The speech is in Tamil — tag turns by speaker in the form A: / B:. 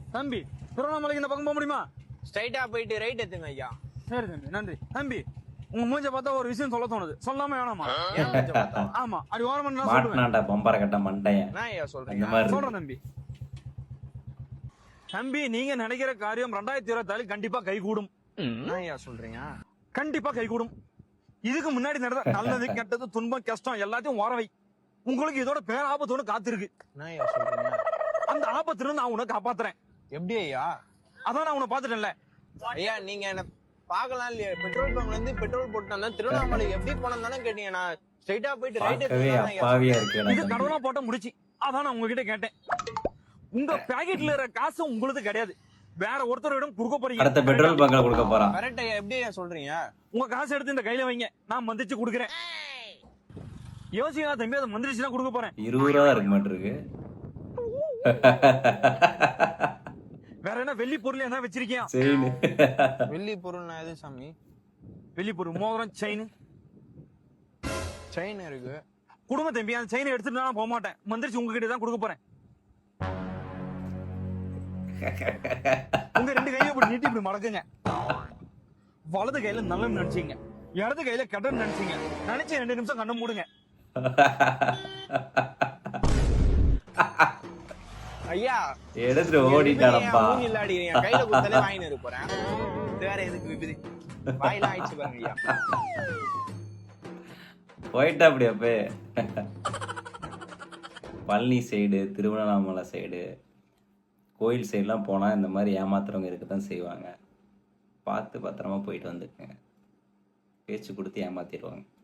A: தம்பி திருவண்ணாமலைக்கு இந்த பக்கம் போக முடியுமா?
B: ஸ்ட்ரைட்டா போயிட்டு ரைட் எடுத்துங்க ஐயா.
A: சரி தம்பி, நன்றி தம்பி. உங்க மூஞ்ச பார்த்தா ஒரு விஷயம் சொல்ல தோணுது, சொல்லாம வேணாமா? ஆமா, அப்படி ஓரமா நான் சொல்லுவேன்.
C: மாட்டனாண்டா பம்பர கட்ட மண்டையன்.
B: நான் ஐயா
C: அந்த
B: சொல்றேன்.
C: மாதிரி
A: சொல்றேன் தம்பி. தம்பி, நீங்க நினைக்கிற காரியம் 2024 கண்டிப்பா கைகூடும்.
B: நான் ஐயா சொல்றீங்க.
A: கண்டிப்பா கைகூடும். இதுக்கு முன்னாடி நடந்த நல்லது கெட்டது துன்பம் கஷ்டம் எல்லாத்தையும் ஓரவை. உங்களுக்கு இதோட பேராபத்து ஒண்ணு காத்திருக்கு.
B: நான் ஐயா சொல்றீங்க.
A: அந்த ஆபத்துல நான் உன்னை காப்பாத்துறேன்.
B: எப்படி ஐயா?
A: அதான் நான் உன்னை பாத்துட்டேன்ல.
B: ஐயா நீங்க என்ன பாக்கலாம் இல்லையா? பெட்ரோல் பங்க்ல இருந்து பெட்ரோல் போட்டு வந்தா திருவண்ணாமலை எப்படி போனோம் தானே கேட்டீங்க. நான் ஸ்ட்ரைட்டா போயிட்டு ரைட்
C: பார்க்கவே
B: எடுத்துங்க.
C: அப்பாவியா
A: இது
C: இருக்கேன்.
A: கடவுளா போட்ட முடிச்சு. அதான் நான் உங்ககிட்ட கேட்டேன். உங்க பாக்கெட்ல இருக்கிற காசு உங்களுக்கு கிடையாது, வேற ஒருத்தரிடம் கொடுக்க போறீங்க.
C: அடுத்த பெட்ரோல் பங்க்ல கொடுக்க போறான்.
B: கரெக்ட் ஐயா. எப்படி ஐயா சொல்றீங்க?
A: உங்க காசு எடுத்து இந்த கையில வைங்க, நான் மந்திரிச்சு கொடுக்குறேன். யோசிக்கா தம்பி, அதை மந்திரிச்சு தான் கொடுக்க போறேன்.
C: 20 ரூபா இருக்க மாட்டிருக்கு.
A: வேற என்ன வெள்ளி பொருள் என்ன வச்சிருக்கியா?
C: செயின்.
B: வெள்ளி பொருள்னா எது சாமி?
A: வெள்ளி பொருள் மோதிரம் செயின்
B: செயின் இருக்கு.
A: குடும்ப தம்பி, அந்த செயினை எடுத்துட்டு நான் போக மாட்டேன், மந்திரிச்சு உங்ககிட்ட தான் கொடுக்க போறேன். உங்க 2 கையில இப்படி நீட்டி இப்படி மடக்குங்க. வலது கையில நல்ல நினைச்சீங்க, இடது கையில கெட்டன்னு நினைச்சீங்க. நினைச்சு 2 நிமிஷம் கண்ணை மூடுங்க.
B: ஐயா
C: எடுத்துட்டு ஓடிட்டானப்பா.
B: இல்லாடி என் கையில கொடுத்தாலே வாங்கிட்டு இருக்க போறேன். வேற எதுக்கு விபதி வாயிலாம் ஆயிடுச்சு பாருங்க ஐயா.
C: போயிட்டா அப்படி அப்பே. பழனி சைடு, திருவண்ணாமலை சைடு, கோயில் சைடுலாம் போனால் இந்த மாதிரி ஏமாத்துறவங்க இருக்க தான் செய்வாங்க. பார்த்து பத்திரமா போயிட்டு வந்துக்குங்க. பேச்சு கொடுத்து ஏமாத்திடுவாங்க.